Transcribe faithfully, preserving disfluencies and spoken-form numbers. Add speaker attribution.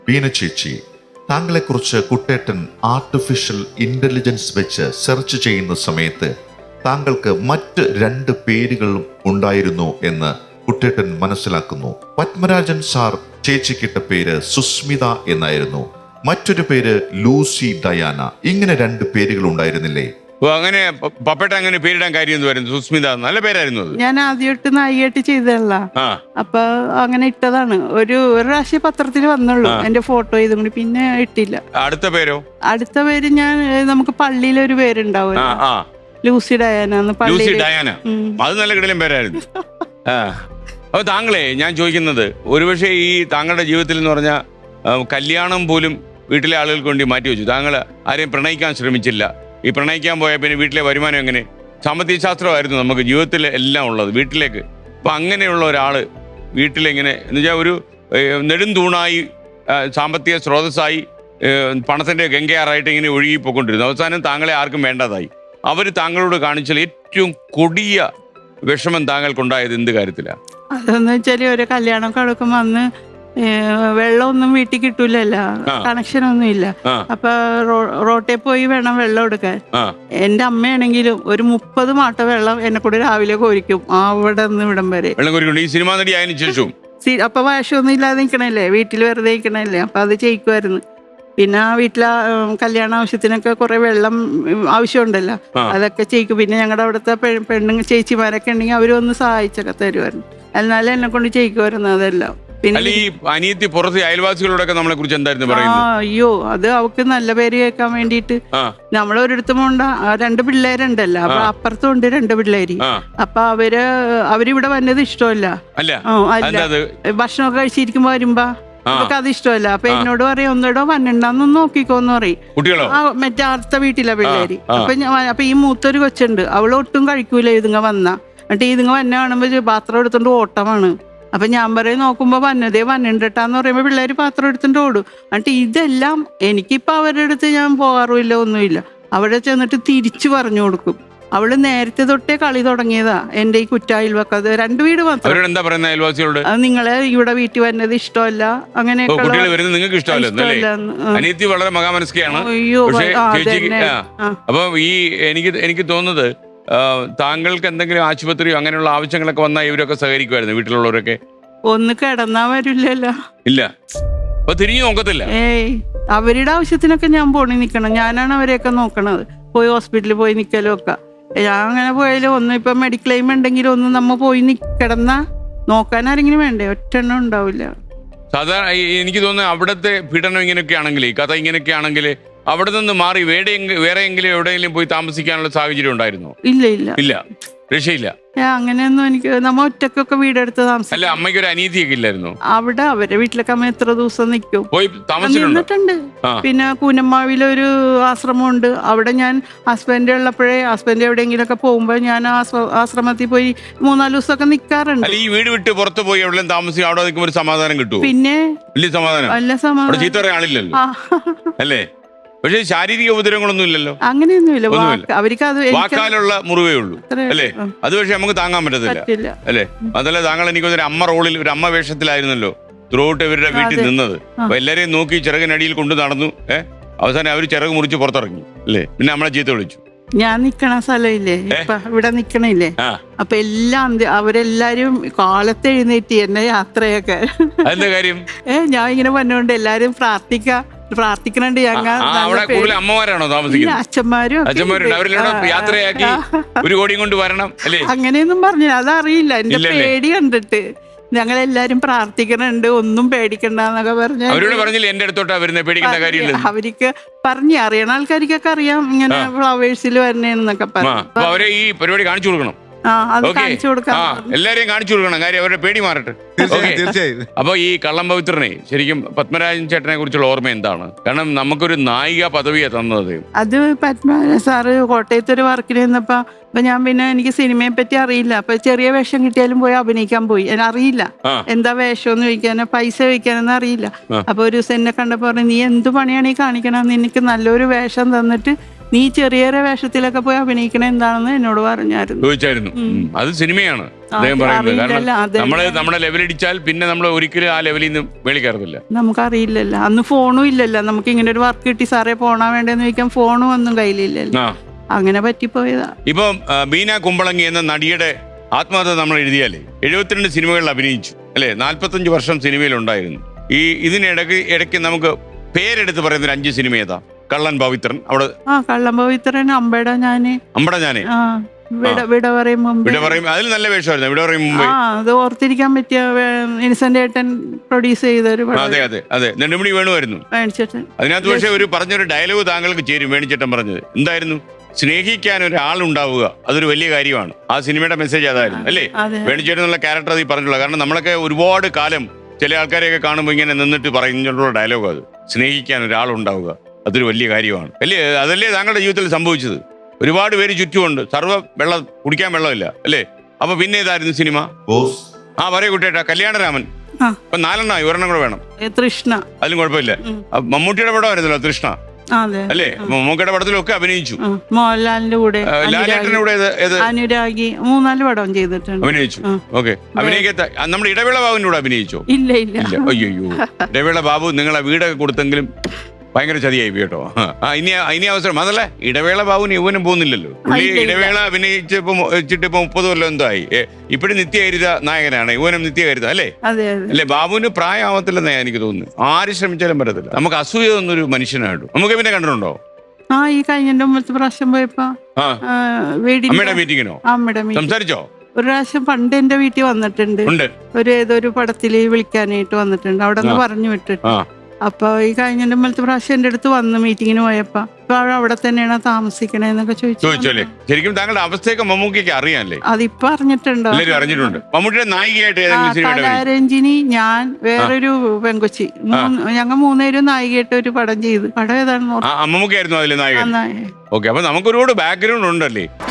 Speaker 1: ബീന ചേച്ചി, താങ്കളെക്കുറിച്ച് കുട്ടേട്ടൻ artificial intelligence വെച്ച് സെർച്ച് ചെയ്യുന്ന സമയത്ത് താങ്കൾക്ക് മറ്റ് രണ്ട് പേരുകളും ഉണ്ടായിരുന്നു എന്ന് കുട്ടേട്ടൻ മനസ്സിലാക്കുന്നു. പത്മരാജൻ സാർ ചേച്ചിക്കിട്ട പേര് സുസ്മിത എന്നായിരുന്നു, മറ്റൊരു പേര് ലൂസി ഡയാന. ഇങ്ങനെ രണ്ട് പേരുകൾ ഉണ്ടായിരുന്നില്ലേ?
Speaker 2: ഓ, അങ്ങനെ പപ്പേട്ട അങ്ങനെ പേരിടാൻ കാര്യം എന്ന് പറയുന്നത് സുസ്മിത നല്ല പേരായിരുന്നു അത്.
Speaker 3: ഞാൻ ആദ്യമായിട്ട് നായികയായിട്ട് ചെയ്തതല്ല,
Speaker 2: ആ
Speaker 3: അപ്പൊ അങ്ങനെ ഇട്ടതാണ്. ഒരു ഒരു പ്രാവശ്യം പത്രത്തിൽ വന്നുള്ളൂ എന്റെ ഫോട്ടോ ഇതും കൂടി, പിന്നെ ഇട്ടില്ല.
Speaker 2: അടുത്ത പേരോ?
Speaker 3: അടുത്ത പേര് ഞാൻ നമുക്ക് പള്ളിയിലൊരു പേരുണ്ടാവും,
Speaker 2: ആ ആ
Speaker 3: ലൂസി ഡയാന.
Speaker 2: ലൂസി
Speaker 3: പള്ളിയിൽ
Speaker 2: ഡയാന, അത് നല്ല കിടലും പേരായിരുന്നു. ആ അപ്പൊ താങ്കളെ ഞാൻ ചോദിക്കുന്നത്, ഒരുപക്ഷെ ഈ താങ്കളുടെ ജീവിതത്തിൽ എന്ന് പറഞ്ഞാൽ കല്യാണം പോലും വീട്ടിലെ ആളുകൾക്ക് വേണ്ടി മാറ്റി വെച്ചു. താങ്കൾ ആരെയും പ്രണയിക്കാൻ ശ്രമിച്ചില്ല. ഈ പ്രണയിക്കാൻ പോയാൽ പിന്നെ വീട്ടിലെ വരുമാനം എങ്ങനെ? സാമ്പത്തിക ശാസ്ത്രമായിരുന്നു നമുക്ക് ജീവിതത്തിൽ എല്ലാം ഉള്ളത് വീട്ടിലേക്ക്. അപ്പം അങ്ങനെയുള്ള ഒരാൾ വീട്ടിലെങ്ങനെ എന്ന് വെച്ചാൽ ഒരു നെടുംതൂണായി സാമ്പത്തിക സ്രോതസ്സായി പണത്തിൻ്റെ ഗംഗയാറായിട്ട് ഇങ്ങനെ ഒഴുകി പോയിക്കൊണ്ടിരുന്നു. അവസാനം താങ്കളെ ആർക്കും വേണ്ടതായി. അവർ താങ്കളോട് കാണിച്ചാൽ ഏറ്റവും കൊടിയ വിഷമം താങ്കൾക്കുണ്ടായത് എന്ത് കാര്യത്തിലാണ്?
Speaker 3: അതെന്ന് വെച്ചാല് ഒരു കല്യാണം കടക്കും വന്ന് വെള്ളമൊന്നും വീട്ടിൽ കിട്ടൂലല്ലോ, കണക്ഷൻ ഒന്നും ഇല്ല. അപ്പൊ റോട്ടിൽ പോയി വേണം വെള്ളം എടുക്കാൻ. എന്റെ അമ്മയാണെങ്കിലും ഒരു മുപ്പത് മാട്ട വെള്ളം എന്നെ കൂടെ രാവിലെ കോരിക്കും അവിടെ നിന്ന് ഇവിടം വരെ.
Speaker 2: ഈ സിനിമാ നടി ആയതിനു ശേഷം
Speaker 3: അപ്പൊ വേഷമൊന്നും ഇല്ലാതെ നിൽക്കണല്ലേ, വീട്ടിൽ വെറുതെ നിൽക്കണല്ലേ, അപ്പൊ അത് ചെയ്യിക്കുമായിരുന്നു. പിന്നെ ആ വീട്ടിലെ കല്യാണ ആവശ്യത്തിനൊക്കെ കുറെ വെള്ളം ആവശ്യമുണ്ടല്ലോ, അതൊക്കെ ചെയ്യിക്കും. പിന്നെ ഞങ്ങളുടെ അവിടുത്തെ പെണ്ണുങ്ങൾ ചേച്ചിമാരൊക്കെ ഉണ്ടെങ്കിൽ അവരൊന്ന് സഹായിച്ചൊക്കെ തരുമായിരുന്നു. എന്നാലും എന്നെ കൊണ്ട് ചെയ്യിക്കുമായിരുന്നു അതെല്ലാം. പിന്നെ
Speaker 2: ഈ അനിയത്തി പുറത്ത് അയൽവാസികളോടൊക്കെ നമ്മളെ കുറിച്ച് എന്തായിരുന്നു
Speaker 3: ആ
Speaker 2: പറയുന്നത്?
Speaker 3: അയ്യോ, അത് അവക്ക് നല്ല പേര് കേൾക്കാൻ വേണ്ടിയിട്ട് നമ്മളൊരിടത്തും ഉണ്ട്. രണ്ട് പിള്ളേരുണ്ടല്ലോ, അപ്പൊ അപ്പുറത്തും ഉണ്ട് രണ്ട് പിള്ളേര്. അപ്പൊ അവര് അവരിവിടെ വന്നത് ഇഷ്ടമല്ല.
Speaker 2: അല്ല,
Speaker 3: ഭക്ഷണമൊക്കെ കഴിച്ചിരിക്കുമ്പോ വരുമ്പോ നമുക്ക് അത് ഇഷ്ടമല്ല. അപ്പൊ എന്നോട് പറയും ഒന്നിടോ വന്നിണ്ടാന്ന് നോക്കിക്കോന്ന് പറയും. ആ മറ്റേ അടുത്ത വീട്ടിലെ പിള്ളേര്. അപ്പൊ ഞാൻ അപ്പൊ ഈ മൂത്തൊരു കൊച്ചുണ്ട്, അവള് ഒട്ടും കഴിക്കൂല ഇതുങ്ങ വന്ന. എന്നിട്ട് ഇതുങ്ങ വന്ന കാണുമ്പോ പാത്രം എടുത്തോണ്ട് ഓട്ടമാണ്. അപ്പൊ ഞാൻ പറയും നോക്കുമ്പോ വന്നതേ വന്നിട്ടാന്ന് പറയുമ്പോ പിള്ളേര് പാത്രം എടുത്തിട്ട് ഓടും. എന്നിട്ട് ഇതെല്ലാം എനിക്കിപ്പോ അവരുടെ അടുത്ത് ഞാൻ പോകാറുമില്ല, ഒന്നുമില്ല. അവിടെ ചെന്നിട്ട് തിരിച്ചു പറഞ്ഞു കൊടുക്കും. അവള് നേരത്തെ തൊട്ടേ കളി തുടങ്ങിയതാ എന്റെ ഈ കുറ്റായിൽവക്കത് രണ്ട് വീട് മാത്രം.
Speaker 2: എന്താ പറയുന്നത് അയൽവാസികളോട്?
Speaker 3: അത് നിങ്ങളെ ഇവിടെ വീട്ടിൽ വരുന്നത് ഇഷ്ടമല്ല, അങ്ങനെയൊക്കെ.
Speaker 2: വളരെ മഹാമനസ്കയാണ്.
Speaker 3: അയ്യോ
Speaker 2: അപ്പൊ ഈ എനിക്ക് എനിക്ക് തോന്നുന്നത് താങ്കൾക്ക് എന്തെങ്കിലും ആശുപത്രിയോ അങ്ങനെയുള്ള ആവശ്യങ്ങളൊക്കെ വന്നാൽ ഇവരൊക്കെ സഹകരിക്കുമായിരുന്നു വീട്ടിലുള്ളവരൊക്കെ?
Speaker 3: ഒന്ന് കിടന്നാ വരില്ലല്ലോ.
Speaker 2: ഇല്ല, അപ്പൊ തിരിഞ്ഞു നോക്കത്തില്ല.
Speaker 3: ഏയ് അവരുടെ ആവശ്യത്തിനൊക്കെ ഞാൻ പോണി നിക്കണം, ഞാനാണ് അവരെയൊക്കെ നോക്കണത്. പോയി ഹോസ്പിറ്റലിൽ പോയി നിക്കലും ഒക്കെ ഞാൻ അങ്ങനെ പോയാലും ഒന്നും ഇപ്പൊ മെഡിക്ലെയിം ഉണ്ടെങ്കിലും ഒന്നും നമ്മ പോയി കിടന്നാ നോക്കാൻ ആരെങ്കിലും വേണ്ടേ? ഒറ്റെണ്ണം ഉണ്ടാവില്ല.
Speaker 2: സാധാരണ എനിക്ക് തോന്നുന്നു അവിടുത്തെ പീഡനം ഇങ്ങനെയൊക്കെ ആണെങ്കിൽ, കഥ ഇങ്ങനെയൊക്കെ ആണെങ്കിൽ അവിടെ നിന്ന് മാറി വേറെ വേറെ എങ്കിലും എവിടെയെങ്കിലും പോയി താമസിക്കാനുള്ള സാഹചര്യം ഉണ്ടായിരുന്നോ?
Speaker 3: ഇല്ല ഇല്ല ഇല്ല,
Speaker 2: രക്ഷയില്ല.
Speaker 3: അങ്ങനെയൊന്നും എനിക്ക് നമ്മ ഒറ്റക്കൊക്കെ വീടെടുത്ത് താമസിക്കും.
Speaker 2: അല്ല, അമ്മയ്ക്ക് ഒരു അനീതിയൊക്കെ ഇല്ലായിരുന്നു?
Speaker 3: അവിടെ അവരെ വീട്ടിലൊക്കെ അമ്മ എത്ര ദിവസം നിൽക്കും,
Speaker 2: പോയി
Speaker 3: നിന്നിട്ടുണ്ട്. പിന്നെ കൂനമ്മാവിലൊരു ആശ്രമമുണ്ട്, അവിടെ ഞാൻ ഹസ്ബൻഡ് ഉള്ളപ്പോഴേ ഹസ്ബൻഡ് എവിടെയെങ്കിലും ഒക്കെ പോകുമ്പോൾ ഞാൻ ആശ്രമത്തിൽ പോയി മൂന്നാല് ദിവസമൊക്കെ നിൽക്കാറുണ്ട്.
Speaker 2: ഈ വീട് വിട്ട് പുറത്ത് പോയി എവിടെ താമസിക്കും, അവിടെ നിൽക്കുമ്പോൾ ഒരു സമാധാനം കിട്ടും.
Speaker 3: പിന്നെ
Speaker 2: വലിയ സമാധാനം,
Speaker 3: നല്ല സമാധാനം.
Speaker 2: ചീത്ത പറയാൻ ആളില്ലല്ലോ അല്ലേ? പക്ഷെ ശാരീരിക ഉപദ്രവങ്ങളൊന്നും ഇല്ലല്ലോ?
Speaker 3: അങ്ങനെയൊന്നുമില്ല, അവർക്ക് അത്
Speaker 2: വാക്കാലുള്ള മുറിവേ ഉള്ളൂ അല്ലേ? അത് പക്ഷെ നമുക്ക് താങ്ങാൻ പറ്റത്തില്ല അല്ലേ? അതല്ല, താങ്കൾ എനിക്ക് ഒരു അമ്മ റോളിൽ ഒരു അമ്മ വേഷത്തിലായിരുന്നല്ലോ ത്രൂ ഔട്ട് ഇവരുടെ വീട്ടിൽ നിന്നത്. അപ്പൊ എല്ലാരെയും നോക്കി ചിറകിനടിയിൽ കൊണ്ട് നടന്നു. ഏഹ് അവസാനം അവര് ചിറക് മുറിച്ച് പുറത്തിറങ്ങി അല്ലേ? പിന്നെ നമ്മളെ ചീത്ത വിളിച്ചു.
Speaker 3: ഞാൻ നിക്കണ സ്ഥലമില്ലേ ഇപ്പൊ ഇവിടെ നിക്കണില്ലേ, അപ്പൊ എല്ലാം അവരെല്ലാരും കാലത്ത് എഴുന്നേറ്റ് എന്നെ യാത്രയൊക്കെ.
Speaker 2: അതിന്റെ കാര്യം
Speaker 3: ഏഹ് ഞാൻ ഇങ്ങനെ പറഞ്ഞുകൊണ്ട് എല്ലാരും പ്രാർത്ഥിക്ക പ്രാർത്ഥിക്കണുണ്ട്.
Speaker 2: അമ്മമാരാണോ താമസിക്കുന്നത്?
Speaker 3: അച്ഛന്മാരും
Speaker 2: യാത്രയാക്കി ഒരു കോടിയും കൊണ്ട് വരണം അല്ലേ?
Speaker 3: അങ്ങനെയൊന്നും പറഞ്ഞു അതറിയില്ല. എന്റെ പേടി കണ്ടിട്ട് ഞങ്ങളെല്ലാരും പ്രാർത്ഥിക്കണുണ്ട്, ഒന്നും പേടിക്കണ്ടെന്നൊക്കെ പറഞ്ഞു.
Speaker 2: അവരോട് പറഞ്ഞില്ല എന്റെ അടുത്തോട്ടാ വരുന്നത്, പേടിക്കേണ്ട കാര്യമില്ല.
Speaker 3: അവർക്ക് പറഞ്ഞു അറിയണ ആൾക്കാർക്കൊക്കെ അറിയാം ഇങ്ങനെ ഫ്ലവേഴ്സിൽ വരണേന്നൊക്കെ പറഞ്ഞു.
Speaker 2: അവരെ ഈ പരിപാടി കാണിച്ചു കൊടുക്കണം. എല്ലാരെയും കാണിച്ചു കൊടുക്കണം, കാര്യം അവരുടെ പേടി മാറട്ടെ. അപ്പൊ ഈ കള്ളം പവിത്രനെ ശരിക്കും പത്മരാജൻ ചേട്ടനെ കുറിച്ചുള്ള ഓർമ്മ എന്താണ്? കാരണം നമുക്കൊരു നായിക പദവിയാ തന്നത്.
Speaker 3: അത് പത്മരാജൻ സാറ് കോട്ടയത്ത് ഒരു വർക്കിന് നിന്നപ്പോ അപ്പൊ ഞാൻ പിന്നെ എനിക്ക് സിനിമയെ പറ്റി അറിയില്ല. അപ്പൊ ചെറിയ വേഷം കിട്ടിയാലും പോയി അഭിനയിക്കാൻ പോയി. അറിയില്ല എന്താ വേഷം എന്ന് ചോദിക്കാനോ പൈസ ചോദിക്കാനൊന്നും അറിയില്ല. അപ്പൊ ഒരു ദിവസം എന്നെ കണ്ടപ്പോ പറഞ്ഞു, നീ എന്ത് പണിയാണ് ഈ കാണിക്കണം, നിനക്ക് നല്ലൊരു വേഷം തന്നിട്ട് നീ ചെറിയ ചെറിയ വേഷത്തിലൊക്കെ പോയി അഭിനയിക്കണ എന്താണെന്ന് എന്നോട് പറഞ്ഞായിരുന്നു.
Speaker 2: ചോദിച്ചായിരുന്നു. ഉം. അത് സിനിമയാണ് അദ്ദേഹം പറയുന്നത്. കാരണം നമ്മള് നമ്മുടെ ലെവലിടിച്ചാൽ പിന്നെ നമ്മൾ ഒരിക്കലും ആ ലെവലിൽ നിന്ന് മേളിൽ കയറത്തില്ല.
Speaker 3: നമുക്കറിയില്ലല്ലോ, അന്ന് ഫോണും ഇല്ലല്ലോ. നമുക്ക് ഇങ്ങനെ ഒരു വർക്ക് കിട്ടി സാറേ പോണാ വേണ്ടെന്ന് ചോദിക്കാൻ ഫോണും ഒന്നും കയ്യിലില്ലല്ലോ. അങ്ങനെ പറ്റിപ്പോയതാ.
Speaker 2: ഇപ്പൊ ബീന കുമ്പളങ്ങി എന്ന നടിയുടെ ആത്മകഥ നമ്മൾ എഴുതിയാലേ എഴുപത്തിരണ്ട് സിനിമകളിൽ അഭിനയിച്ചു അല്ലെ, നാല്പത്തഞ്ച് വർഷം സിനിമയിലുണ്ടായിരുന്നു. ഈ ഇതിനിടയ്ക്ക് ഇടയ്ക്ക് നമുക്ക് പേരെടുത്ത് പറയുന്ന ഒരു അഞ്ച് സിനിമ ഏതാ? കള്ളൻ പവിത്രൻ, അവിടെ
Speaker 3: ആ കള്ളൻ പവിത്രൻ, അമ്പട ഞാന്,
Speaker 2: അമ്പട ഞാന്,
Speaker 3: വിട വിട പറയും മുമ്പ്,
Speaker 2: വിട പറയും, അതിൽ നല്ല വേഷമായിരുന്നു. വിട പറയും മുമ്പ്
Speaker 3: ആ അത് ഓർത്തിരിക്കാൻ പറ്റിയ ഇൻസെന്റ് ഏട്ടൻ പ്രൊഡ്യൂസ് ചെയ്ത ഒരു പടം.
Speaker 2: അതെ അതെ അതെ നെടുമുടി വേണുമായിരുന്നു
Speaker 3: വേണിച്ചേട്ടൻ.
Speaker 2: അതിനകത്ത്. പക്ഷേ ഒരു പറഞ്ഞൊരു ഡയലോഗ് താങ്കൾക്ക് ചേരും. വേണിച്ചേട്ടൻ പറഞ്ഞത് എന്തായിരുന്നു? സ്നേഹിക്കാൻ ഒരാളുണ്ടാവുക അതൊരു വലിയ കാര്യമാണ്. ആ സിനിമയുടെ മെസ്സേജ് അതായിരുന്നു അല്ലേ? വേണിച്ചേട്ടൻ എന്നുള്ള ക്യാരക്ടർ അത് പറഞ്ഞുള്ള. കാരണം നമ്മളൊക്കെ ഒരുപാട് കാലം ചില ആൾക്കാരെയൊക്കെ കാണുമ്പോൾ ഇങ്ങനെ നിന്നിട്ട് പറയുന്നുള്ള ഡയലോഗ് അത്. സ്നേഹിക്കാൻ ഒരാളുണ്ടാവുക അതൊരു വലിയ കാര്യമാണ് അല്ലേ? അതല്ലേ താങ്കളുടെ ജീവിതത്തിൽ സംഭവിച്ചത്? ഒരുപാട് പേര് ചുറ്റുമുണ്ട്, സർവ്വ വെള്ളം കുടിക്കാൻ വെള്ളമില്ല അല്ലേ? അപ്പൊ പിന്നെ ഏതായിരുന്നു സിനിമ? ആ പറയൂ കുട്ടിയേട്ടാ. കല്യാണരാമൻ. ഇപ്പൊ നാലെണ്ണമായി, ഒരെണ്ണം കൂടെ വേണം.
Speaker 3: തൃഷ്ണ.
Speaker 2: അതിലും കുഴപ്പമില്ല. മമ്മൂട്ടിയുടെ പടമായിരുന്നല്ലോ തൃഷ്ണ അല്ലേ? മമ്മൂക്കയുടെ പടത്തിലൊക്കെ അഭിനയിച്ചു.
Speaker 3: മോഹൻലാലിന്റെ കൂടെ,
Speaker 2: ലാലേട്ടന്റെ കൂടെ
Speaker 3: അനുരാഗി, മൂന്നാല് പടം ചെയ്തിട്ടുണ്ട്,
Speaker 2: അഭിനയിച്ചു. ഓക്കെ. അഭിനയിക്കത്ത നമ്മുടെ ഇടവേള ബാബുവിന്റെ കൂടെ അഭിനയിച്ചോ?
Speaker 3: ഇല്ല ഇല്ല.
Speaker 2: അയ്യോ, ഇടവേള ബാബു നിങ്ങളെ വീടൊക്കെ കൊടുത്തെങ്കിലും ഭയങ്കര ചതിയായി കേട്ടോ. ആ ഇനി ഇനി അവസരം അതല്ല, ഇടവേള ബാബുവിന് യൗവനം പോകുന്നില്ലല്ലോ. പുള്ളി ഇടവേള അഭിനയിച്ചപ്പോ വെച്ചിട്ട് ഇപ്പൊ മുപ്പത് കൊല്ലം എന്തോ ആയി. ഇപ്പഴും നിത്യഹരിത നായകനാണ്, യൗവനം നിത്യഹരിത അല്ലേ? അല്ലേ? ബാബുവിന് പ്രായമാവത്തില്ലെന്നാ എനിക്ക് തോന്നുന്നു. ആര് ശ്രമിച്ചാലും പറ്റത്തില്ല. നമുക്ക് അസൂയ തോന്നുന്നൊരു മനുഷ്യനായിട്ടു. നമുക്ക് പിന്നെ കണ്ടിട്ടുണ്ടോ?
Speaker 3: ആ ഈ കഴിഞ്ഞ മുമ്പത്തെ പ്രാവശ്യം പോയപ്പോ
Speaker 2: അമ്മയുടെ മീറ്റിങ്ങിനോ
Speaker 3: അമ്മയുടെ
Speaker 2: സംസാരിച്ചോ?
Speaker 3: ഒരു പ്രാവശ്യം പണ്ട് എന്റെ വീട്ടിൽ വന്നിട്ടുണ്ട്. ഒരു ഏതൊരു പടത്തില് വിളിക്കാനായിട്ട് വന്നിട്ടുണ്ട്. അവിടെ നിന്ന് പറഞ്ഞു വിട്ടിട്ട്. അപ്പൊ ഈ കഴിഞ്ഞ മുമ്പത്തെ പ്രാവശ്യം എന്റെ അടുത്ത് വന്ന് മീറ്റിങ്ങിന് പോയപ്പോ ഇപ്പൊ അവിടെ തന്നെയാണ് താമസിക്കണേന്നൊക്കെ ചോദിച്ചു.
Speaker 2: ശരിക്കും താങ്കളുടെ അവസ്ഥയൊക്കെ മമ്മൂക്കിക്ക് അറിയാല്ലേ?
Speaker 3: അതിപ്പോ അറിഞ്ഞിട്ടുണ്ടോ?
Speaker 2: അറിഞ്ഞിട്ടുണ്ട്. മമ്മൂട്ടിയുടെ നായികയായിട്ട്
Speaker 3: കലാരഞ്ജിനി, ഞാൻ, വേറൊരു പെങ്കൊച്ചി, ഞങ്ങൾ മൂന്നുപേരും നായികയായിട്ട് ഒരു പടം ചെയ്തു. പടം ഏതാണ്?
Speaker 2: മമ്മൂക്കായിരുന്നു അതിലെ നായകൻ. ഓക്കെ. അപ്പൊ നമുക്ക് ഒരുപാട് ബാക്ക്ഗ്രൗണ്ട് ഉണ്ടല്ലേ?